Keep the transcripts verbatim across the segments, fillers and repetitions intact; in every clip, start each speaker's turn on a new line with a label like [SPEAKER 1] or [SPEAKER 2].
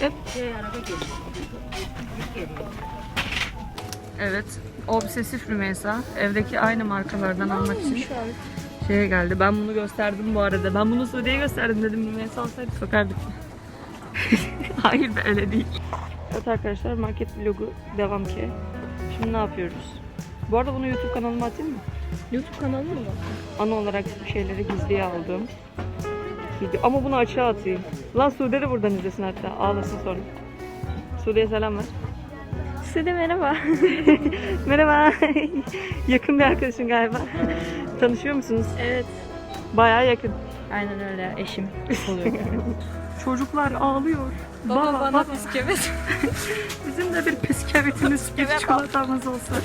[SPEAKER 1] Hep. Evet. Obsesif Rümeysa. Evdeki aynı markalardan almak için şeye geldi. Ben bunu gösterdim bu arada. Ben bunu Suudi'ye gösterdim dedim. Rümeysa olsaydı sokardık. Hayır be, öyle değil. Evet arkadaşlar, market vlogu devam ki. Şimdi ne yapıyoruz? Bu arada bunu YouTube kanalıma atayım mı?
[SPEAKER 2] YouTube kanalı mı var?
[SPEAKER 1] Ana olarak şeyleri gizliye aldığım video. Ama bunu açığa atayım. Lan Sude de buradan izlesin hatta. Ağlasın sonra. Sude'ye selam ver.
[SPEAKER 2] Size merhaba.
[SPEAKER 1] Merhaba. Yakın bir arkadaşın galiba. Tanışıyor musunuz?
[SPEAKER 2] Evet.
[SPEAKER 1] Bayağı yakın.
[SPEAKER 2] Aynen öyle, eşim oluyor.
[SPEAKER 1] Çocuklar ağlıyor.
[SPEAKER 2] Baba bana bisküvit.
[SPEAKER 1] Bizim de bir bisküvitimiz, bir çikolatamız olsun.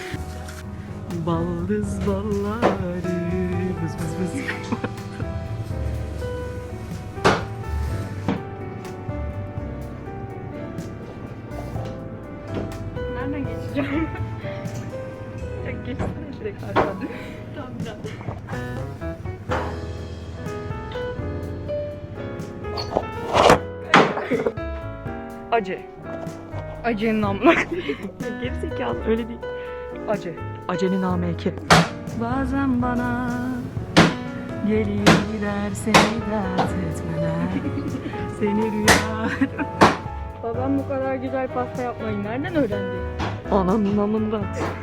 [SPEAKER 1] Baldız balları. Bız bız bız.
[SPEAKER 2] Nereden geçeceğim?
[SPEAKER 1] Ya geçsene direkt arkadan.
[SPEAKER 2] Tamam biraz.
[SPEAKER 1] Acı.
[SPEAKER 2] Acının amına.
[SPEAKER 1] Gerizekalı, öyle değil. Acı. Acenin ameki. Bazen bana gelir gider seni dert etmeler. Seni rüya.
[SPEAKER 2] Babam bu kadar güzel pasta yapmayı nereden öğrendi?
[SPEAKER 1] Ananın amında.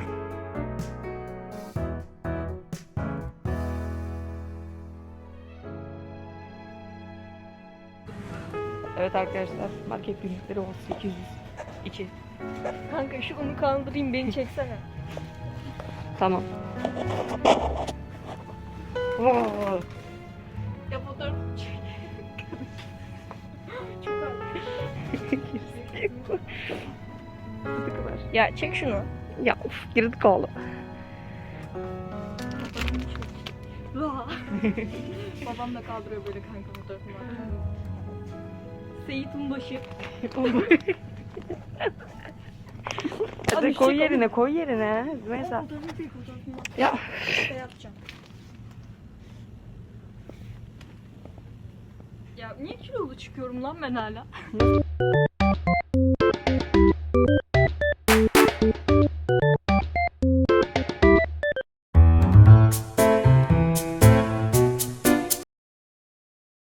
[SPEAKER 1] Evet arkadaşlar, market günlükleri on sekiz yüz iki.
[SPEAKER 2] Kanka şu unu kaldırayım, beni çeksene.
[SPEAKER 1] Tamam. Oo.
[SPEAKER 2] Ya fotoğraf çek. Çok ağır. Ya çek şunu.
[SPEAKER 1] Ya uf, girdik oğlum.
[SPEAKER 2] Babam da kaldırıyor böyle kanka fotoğrafımı. Seyit Unbaşı.
[SPEAKER 1] Hadi koy yerine, koy yerine. Mesela.
[SPEAKER 2] Fotoğrafını çek, fotoğrafını.
[SPEAKER 1] Ya.
[SPEAKER 2] Şey yapacağım. Ya niye kilolu çıkıyorum lan ben hala?